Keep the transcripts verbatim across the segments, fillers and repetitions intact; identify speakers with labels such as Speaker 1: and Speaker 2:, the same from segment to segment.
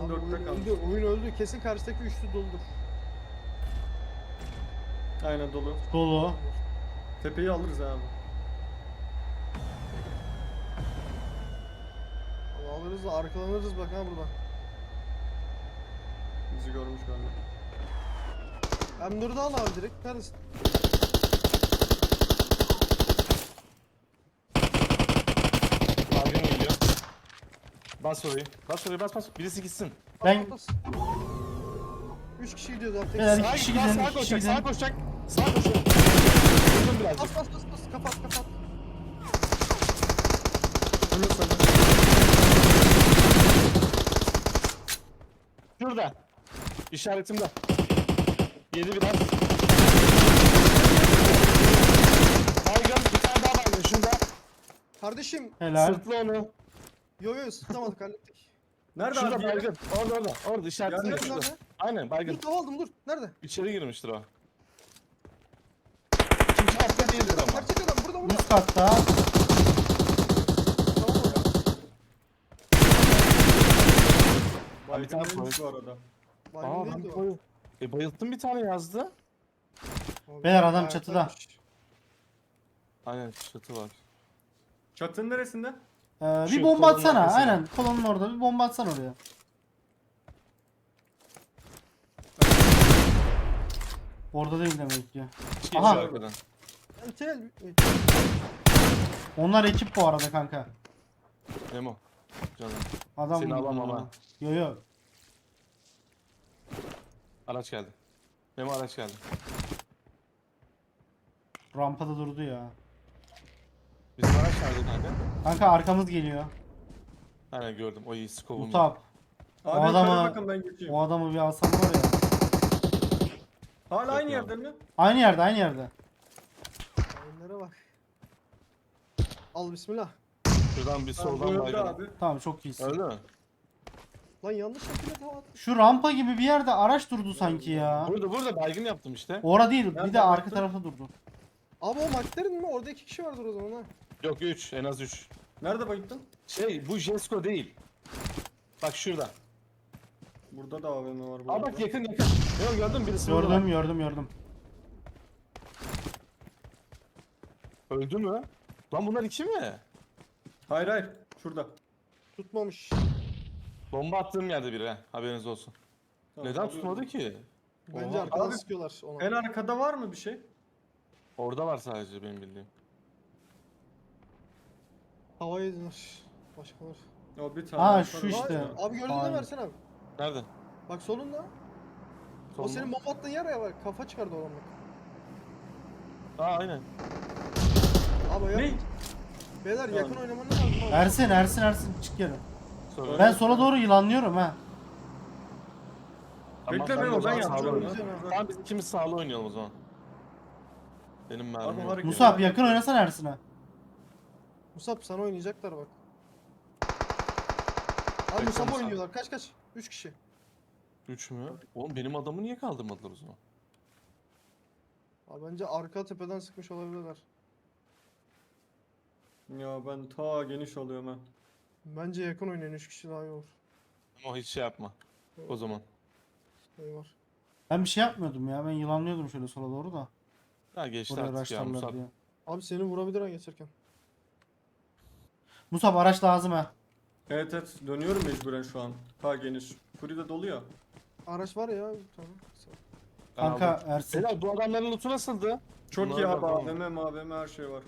Speaker 1: Son dörtte kaldı.
Speaker 2: Öldü, oyun öldü. Kesin karşıdaki üçlü doludur.
Speaker 1: Aynen dolu.
Speaker 3: Dolu.
Speaker 1: Tepeyi alırız abi.
Speaker 2: Ama alırız da arkalanırız bak ha burada.
Speaker 1: Bizi görmüş galiba.
Speaker 2: M dördü al abi direkt. Neredesin?
Speaker 4: Baygın geliyor. Bas orayı. Bas orayı bas bas. Birisi gitsin.
Speaker 3: Ben-
Speaker 2: Bas, bas. Üç kişi gidiyoruz abi. Tek
Speaker 3: Beyler,
Speaker 2: kişi.
Speaker 3: iki kişi
Speaker 4: git,
Speaker 3: gidelim,
Speaker 4: sağa
Speaker 3: iki kişi
Speaker 4: koşacak,
Speaker 3: gidelim.
Speaker 4: sağa koşacak. Sağa koşacak. Vurdum birazcık.
Speaker 2: Bas bas bas bas. Kapat kapat.
Speaker 1: Bunu sana.
Speaker 4: Şurada. İşaretimde. Yedi biraz. Baygın. Bir tane daha baygın. Şurada.
Speaker 2: Kardeşim.
Speaker 3: Helal.
Speaker 4: Sırtlı onu.
Speaker 2: Yo yo sıktamadık hallettik.
Speaker 1: Nerede
Speaker 4: Şurada
Speaker 1: abi? diğeri?
Speaker 4: baygın. Orada orada. Orada işaretimde.
Speaker 1: Nerede,
Speaker 4: Şurada.
Speaker 2: nerede?
Speaker 4: Aynen
Speaker 2: Dur
Speaker 4: baygın.
Speaker 2: tava aldım dur. Nerede?
Speaker 4: İçeri girmiştir o. İkinci hafta değildir ama.
Speaker 2: Gerçek adam burada burada.
Speaker 3: Üst katta.
Speaker 2: Tamam mı?
Speaker 4: Abi, bir tane
Speaker 1: Baygın değilmiş bu
Speaker 4: koy.
Speaker 1: arada.
Speaker 2: Baygın
Speaker 4: Aa ben
Speaker 2: değildi o.
Speaker 4: koy. E bayılttım bir tane yazdı.
Speaker 2: Abi,
Speaker 3: Beyler, adam
Speaker 2: ayaktaymış.
Speaker 3: çatıda.
Speaker 4: Aynen çatı var.
Speaker 1: Çatının neresinde?
Speaker 3: Ee, bir
Speaker 4: Şu
Speaker 3: bomba
Speaker 4: kolonun
Speaker 3: atsana.
Speaker 4: arkasına.
Speaker 3: Aynen. Kolonun orada bir bomba atsana oraya. Orada değil demek ki.
Speaker 4: Geçiyor
Speaker 3: Aha.
Speaker 4: arkadan.
Speaker 2: Ben tel.
Speaker 3: Onlar ekip bu arada kanka.
Speaker 4: Memo. Canım.
Speaker 3: Adam
Speaker 4: Seni alamam ha.
Speaker 3: Yo yo.
Speaker 4: Araç geldi. Memo araç geldi.
Speaker 3: Rampada durdu ya.
Speaker 4: Bizim araç nerede kanka?
Speaker 3: Kanka arkamız geliyor.
Speaker 4: Aynen gördüm. O iyi skovum.
Speaker 3: Utap.
Speaker 1: Abi
Speaker 3: O
Speaker 1: yukarı
Speaker 3: adamı-
Speaker 1: bakın ben geçeyim.
Speaker 3: O adamı bir alsam var ya.
Speaker 1: Hala aynı
Speaker 4: Yok
Speaker 1: yerde mi?
Speaker 3: Aynı yerde aynı yerde.
Speaker 2: Oyunlara bak. Al bismillah.
Speaker 4: Şuradan bir
Speaker 1: Tamam, bu
Speaker 4: soldan
Speaker 1: öldü
Speaker 4: baygın.
Speaker 1: abi.
Speaker 3: Tamam çok iyisin.
Speaker 4: Öldü mü?
Speaker 2: Lan yanlış şekilde tava attım.
Speaker 3: Şu rampa gibi bir yerde araç durdu sanki ya.
Speaker 4: Burada burada baygın yaptım işte.
Speaker 3: Ora değil, bir
Speaker 1: Nerede
Speaker 3: de arka
Speaker 1: baktın?
Speaker 3: tarafta durdu.
Speaker 2: Abi o McLaren mi? Orada iki kişi vardır o zaman ha.
Speaker 4: Yok üç en az üç.
Speaker 1: Nerede bayıldın?
Speaker 4: Şey bu Jesko değil. Bak şurada.
Speaker 1: Burada da A V M var bu
Speaker 4: Aa
Speaker 1: arada.
Speaker 4: bak yakın yakın. Yok gördün mü? Birisi burada.
Speaker 3: Gördüm gördüm gördüm.
Speaker 4: Öldü mü? Lan bunlar iki mi?
Speaker 1: Hayır hayır. Şurada.
Speaker 2: Tutmamış.
Speaker 4: Bomba attığım yerde biri ha. Haberiniz olsun.
Speaker 1: Tamam,
Speaker 4: Neden
Speaker 1: alıyorum.
Speaker 4: tutmadı ki?
Speaker 2: Bence
Speaker 4: Oha.
Speaker 2: arkadan
Speaker 1: Abi,
Speaker 2: sıkıyorlar ona.
Speaker 1: En arkada var mı bir şey?
Speaker 4: Orada var sadece benim bildiğim.
Speaker 2: Hava yediler. Başkalar.
Speaker 1: O bir tane.
Speaker 3: Ha,
Speaker 1: arkada
Speaker 3: şu
Speaker 1: var.
Speaker 3: işte.
Speaker 2: Abi, abi gördün mü
Speaker 3: Aynen.
Speaker 2: versene abi.
Speaker 4: Nerede?
Speaker 2: Bak solunda. O
Speaker 4: Solda.
Speaker 2: senin bomba attığın yer ya bak. Kafa çıkardı oradan bak.
Speaker 4: Aa aynen.
Speaker 2: Abi ya.
Speaker 1: Ne?
Speaker 2: Beyler
Speaker 1: Tamam.
Speaker 2: yakın oynaman lazım abi.
Speaker 3: Ersin Ersin Ersin çık geri.
Speaker 4: Sonra.
Speaker 3: Ben sola doğru yılanlıyorum ha.
Speaker 4: Tamam,
Speaker 1: Bekle
Speaker 4: ben
Speaker 1: Memo,
Speaker 4: o zaman
Speaker 1: ben
Speaker 4: sağlı
Speaker 1: yapacağım.
Speaker 4: oynayalım. Tamam biz ikimiz sağlı oynayalım o zaman. Benim mermim
Speaker 1: Abi
Speaker 4: yok.
Speaker 1: hareket-
Speaker 3: Musab yakın oynasana Ersin'e.
Speaker 2: Musab sana oynayacaklar bak. Abi
Speaker 4: Bekle
Speaker 2: Musab
Speaker 4: Musab.
Speaker 2: oynuyorlar. Kaç kaç? Üç kişi.
Speaker 4: Üç mü? Oğlum benim adamı niye kaldırmadılar o zaman?
Speaker 2: Abi bence arka tepeden sıkmış olabilirler.
Speaker 1: Ya ben ta geniş alıyorum ha.
Speaker 2: Bence yakın oynayın. Üç kişi daha iyi olur.
Speaker 4: Ama hiç şey yapma. O zaman.
Speaker 2: Şey var.
Speaker 3: Ben bir şey yapmıyordum ya. Ben yılanlıyordum şöyle sola doğru da.
Speaker 4: Ha geçti
Speaker 3: Oraya
Speaker 4: artık ya
Speaker 3: araçlarlar
Speaker 4: Musab.
Speaker 3: diye.
Speaker 2: Abi seni vurabilir ha geçerken.
Speaker 3: Musab araç lazım ha.
Speaker 1: Evet evet dönüyorum mecburen şu an. Ta geniş. Furi de dolu ya.
Speaker 2: Araç var ya. Tamam.
Speaker 4: Ben
Speaker 3: Kanka
Speaker 4: aldım.
Speaker 3: Ersin.
Speaker 4: Beyler bu adamların lootu nasıldı?
Speaker 1: Çok
Speaker 4: Bunlara
Speaker 1: iyi abi.
Speaker 4: bakalım.
Speaker 1: A V M, M A V M her şey var.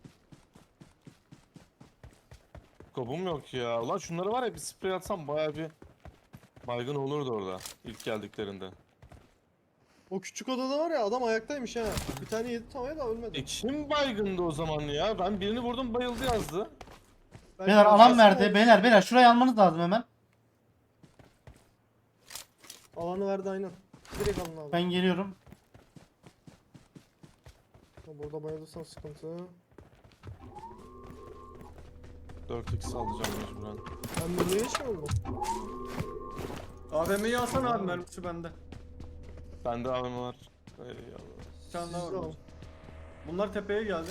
Speaker 4: Skobum yok ya. Ulan şunları var ya bir sprey atsam baya bir baygın olurdu orada ilk geldiklerinde.
Speaker 2: O küçük odada var ya adam ayaktaymış ha. Bir tane yedi tavaya da ölmedi.
Speaker 4: E kim baygındı o zaman ya? Ben birini vurdum bayıldı yazdı.
Speaker 2: Belki
Speaker 3: Beyler alan
Speaker 2: başkası
Speaker 3: verdi.
Speaker 2: olmuş.
Speaker 3: Beyler beyler şurayı almanız lazım hemen.
Speaker 2: Alanı verdi aynen. Direkt alın abi.
Speaker 3: Ben geliyorum.
Speaker 2: Burada bayılırsan sıkıntı.
Speaker 4: dört x alacağım mecburen.
Speaker 2: Ben de niye şey oldu?
Speaker 1: A V M'yi alsana abi mermisi bende.
Speaker 4: Bende A V M var. Eyvallah.
Speaker 1: Bir tane daha
Speaker 2: Siz
Speaker 1: var.
Speaker 2: de
Speaker 1: burada.
Speaker 2: alın.
Speaker 1: Bunlar tepeye geldi.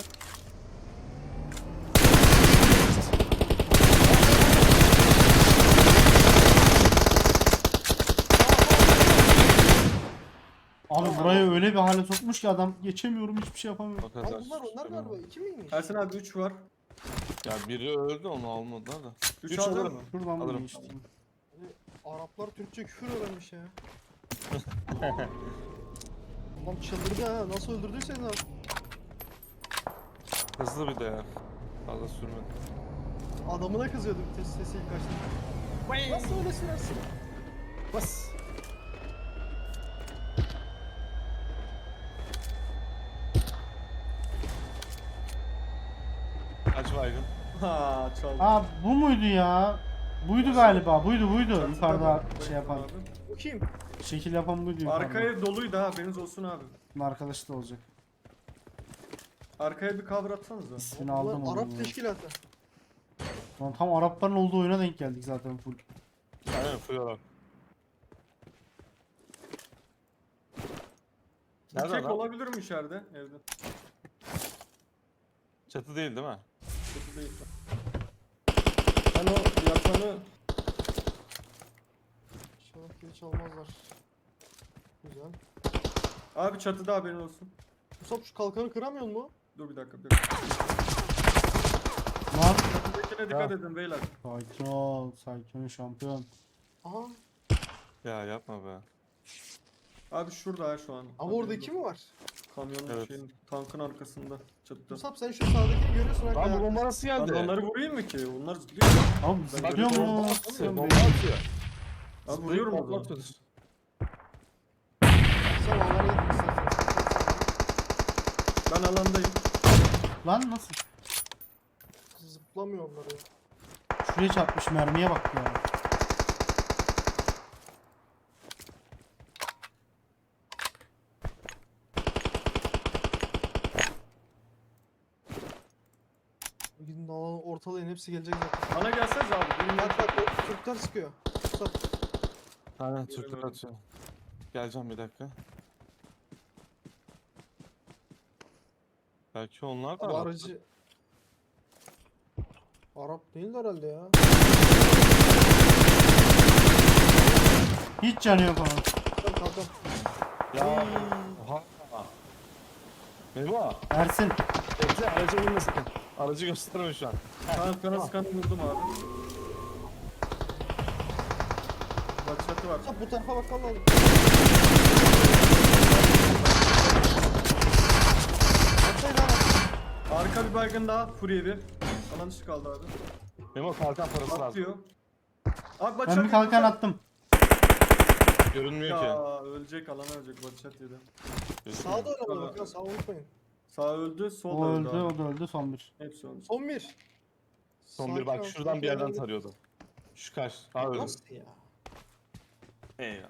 Speaker 3: Abi
Speaker 1: Tamam.
Speaker 3: burayı öyle bir hale sokmuş ki adam geçemiyorum hiçbir şey yapamıyorum.
Speaker 4: O kadar.
Speaker 2: Abi bunlar onlar galiba. iki miymiş?
Speaker 1: Ersin abi üç var.
Speaker 4: Ya biri öldü onu almadılar da.
Speaker 1: üç
Speaker 4: Üç
Speaker 1: alacak
Speaker 4: alırım.
Speaker 1: mı?
Speaker 3: Şuradan mı
Speaker 4: Alırım.
Speaker 3: geçtim?
Speaker 2: Araplar Türkçe küfür öğrenmiş ya. Adam çıldırdı ha. Nasıl öldürdüysen abi.
Speaker 4: Hızlı bir de ya. Fazla sürmedi.
Speaker 2: Adamına kızıyordu bir test sesi ilk kaçtı. Nasıl öyle sürersin?
Speaker 4: Bas. Kaç baygın?
Speaker 1: Ha çaldı.
Speaker 3: Aa bu muydu ya? Buydu galiba. Buydu buydu.
Speaker 1: Çatıda
Speaker 3: Yukarıda
Speaker 1: var.
Speaker 3: şey yapan.
Speaker 1: Abi.
Speaker 2: Bu kim?
Speaker 3: Şekil yapan buydu yukarıda.
Speaker 1: Arkaya doluydu ha, haberiniz olsun abi.
Speaker 3: Bunun arkadaşı da olacak.
Speaker 1: Arkaya bir cover atsanıza.
Speaker 3: İsmini
Speaker 2: Bunlar
Speaker 3: aldım
Speaker 2: Arap
Speaker 3: onu.
Speaker 2: teşkilatı.
Speaker 3: Lan tam Arapların olduğu oyuna denk geldik zaten full.
Speaker 4: Aynen fuyar.
Speaker 1: Bir
Speaker 4: Nerede
Speaker 1: tek
Speaker 4: lan?
Speaker 1: olabilir mi içeride evde?
Speaker 4: Çatı değil değil mi?
Speaker 1: Kötü değil. Ben o yatanı
Speaker 2: İnşallah geri çalmazlar. Güzel.
Speaker 1: abi çatıda haberin olsun.
Speaker 2: Musab şu kalkanı kıramıyor mu?
Speaker 1: Dur bir dakika bir dakika.
Speaker 3: Lan
Speaker 1: Çatıdakine dikkat edin beyler.
Speaker 3: sakin ol. Sakin ol şampiyon.
Speaker 2: Aha.
Speaker 4: Ya yapma be.
Speaker 1: Abi şurada ha şu an.
Speaker 2: Ama
Speaker 1: Haberiniz
Speaker 2: orada iki mi
Speaker 1: olsun.
Speaker 2: var?
Speaker 1: Kamyonun
Speaker 4: Evet.
Speaker 1: şeyin tankın arkasında çatıda.
Speaker 2: Musab sen şu sağdakini görüyorsun
Speaker 4: Lan bu
Speaker 2: hakikaten.
Speaker 4: bomba nasıl
Speaker 1: Ben
Speaker 4: geldi?
Speaker 1: de onları vurayım mı ki? Onlar zıplıyor.
Speaker 3: Abi
Speaker 1: Ben
Speaker 3: zıplıyor
Speaker 1: böyle
Speaker 3: mu?
Speaker 4: Bomba atıyor.
Speaker 3: Zıplıyor
Speaker 4: Bomba
Speaker 3: mu?
Speaker 4: atıyor.
Speaker 1: Abi vuruyorum o
Speaker 4: Bomba
Speaker 1: zaman.
Speaker 4: atıyor.
Speaker 2: Sen onları yedin istersen.
Speaker 1: Ben alandayım.
Speaker 3: Lan nasıl?
Speaker 2: Zıplamıyor onları.
Speaker 3: Şuraya çarpmış mermiye bak ya.
Speaker 2: Gidin alanı ortalayın hepsi gelecek zaten.
Speaker 1: Bana gelseniz abi. Benim
Speaker 2: Bak bak o Türkler sıkıyor. Musab.
Speaker 4: Aynen Türkler
Speaker 1: Göremedim.
Speaker 4: atıyor. Geleceğim bir dakika. Belki onlar da
Speaker 2: Bu
Speaker 4: Arap.
Speaker 2: aracı... Arap değil herhalde ya.
Speaker 3: Hiç canı yok onun.
Speaker 2: Kalk kalk kalk.
Speaker 4: Ya. Oha. Memo.
Speaker 3: Ersin.
Speaker 4: Bekle aracı vurma sakın. Aracı gösterme şu an.
Speaker 1: tankana sıkanı vurdum abi. Bak çatı var.
Speaker 2: Musab bu tarafa bakalım lazım. Atlayın lan.
Speaker 1: Arka bir baygın daha. Furya bir. Alan dışı kaldı abi.
Speaker 4: Memo kalkan parası lazım.
Speaker 1: Atlıyor. Abi bak
Speaker 3: Ben
Speaker 1: çatı-
Speaker 3: bir kalkan attım.
Speaker 4: Görünmüyor ki.
Speaker 1: Ya ölecek, alan ölecek. Bak çat yedi.
Speaker 2: Sağa da oynamalı bakın sağa unutmayın.
Speaker 1: Sağ öldü, sol
Speaker 3: O
Speaker 1: da öldü.
Speaker 3: öldü,
Speaker 1: abi.
Speaker 3: o da öldü son bir.
Speaker 1: Hepsi öldü.
Speaker 2: Son bir.
Speaker 4: Son bir
Speaker 2: Sakin
Speaker 4: bak
Speaker 2: ol,
Speaker 4: şuradan bir
Speaker 2: sakin
Speaker 4: yerden
Speaker 2: ol.
Speaker 4: tarıyordu. Şu kaç. Ha öyle.
Speaker 2: Nasıl ya?
Speaker 4: Eyvallah.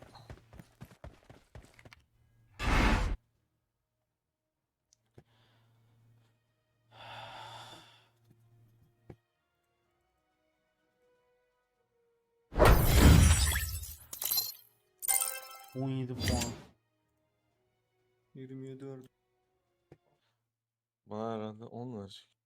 Speaker 3: on yedi puan.
Speaker 1: yirmi yedi öldü.
Speaker 4: Bana herhalde on verecek.